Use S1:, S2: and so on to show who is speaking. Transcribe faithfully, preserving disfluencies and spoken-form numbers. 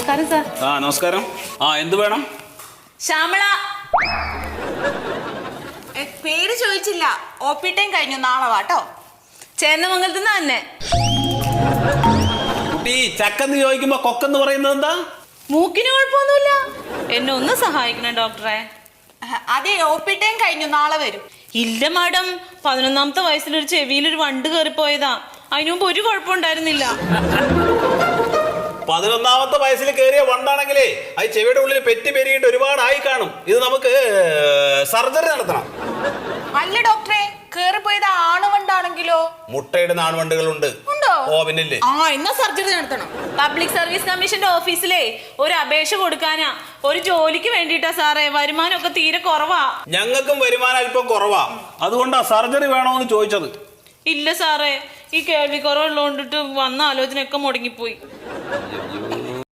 S1: നമസ്കാരം സാർ.
S2: ആ നമസ്കാരം. ആ എന്ത് വേണം?
S1: ശ്യാമള.
S3: പേര് ചോദിച്ചില്ല. ഒ പി ടൈം കഴിഞ്ഞു, നാളെ വാട്ടോ.
S1: ചേന്നമംഗലത്ത് നിന്ന് തന്നെ.
S2: കുട്ടി ചക്കെന്ന് ചോദിക്കുമ്പോ കൊക്കെന്ന് പറയുന്നത് എന്താ?
S1: മൂക്കിന് കുഴപ്പമൊന്നുമില്ല. എന്നെ ഒന്ന് സഹായിക്കണം ഡോക്ടറെ.
S3: അതെ, ഒ പി ടൈം കഴിഞ്ഞു, നാളെ വരും.
S1: ഇല്ല മാഡം, പതിനൊന്നാമത്തെ വയസ്സിലൊരു ചെവിയിലൊരു വണ്ട് കയറിപ്പോയതാ. അതിനു മുമ്പ് ഒരു കുഴപ്പമുണ്ടായിരുന്നില്ല.
S2: പതിനൊന്നാമത്തെ വയസ്സിൽ കയറിയ വണ്ടാണെങ്കിലേ അത് ചെവിയുടെ ഉള്ളിൽ പെറ്റി പെരുകിട്ട് ഒരുപാടായി കാണും. ഇത് നമുക്ക് സർജറി നടത്തണം.
S3: അല്ല ഡോക്ടറെ, കേറിപ്പോയത് ആണുവണ്ടാണെങ്കിലോ?
S2: മുട്ടയിടുന്ന ആൺവണ്ടുകളുണ്ട്.
S3: ഉണ്ടോ?
S2: ഓ പിന്നില്ലേ.
S3: ആ, എന്നാ സർജറി നടത്തണം.
S1: പബ്ലിക് സർവീസ് കമ്മീഷന്റെ ഓഫീസിലേ ഒരു അപേക്ഷ കൊടുക്കാനാ. ഒരു ജോലിക്ക് വേണ്ടിട്ടാ സാറേ. വരുമാനമൊക്കെ തീരെ കുറവാ.
S2: ഞങ്ങൾക്കും വരുമാനം അല്പം കുറവാ. അതുകൊണ്ടാ സർജറി വേണോന്ന് ചോദിച്ചത്.
S1: ഇല്ല സാറേ, ഈ കേൾവി കുറവുള്ളതുകൊണ്ടിട്ട് വന്ന ആലോചനയൊക്കെ മുടങ്ങിപ്പോയി.
S2: അയ്യോ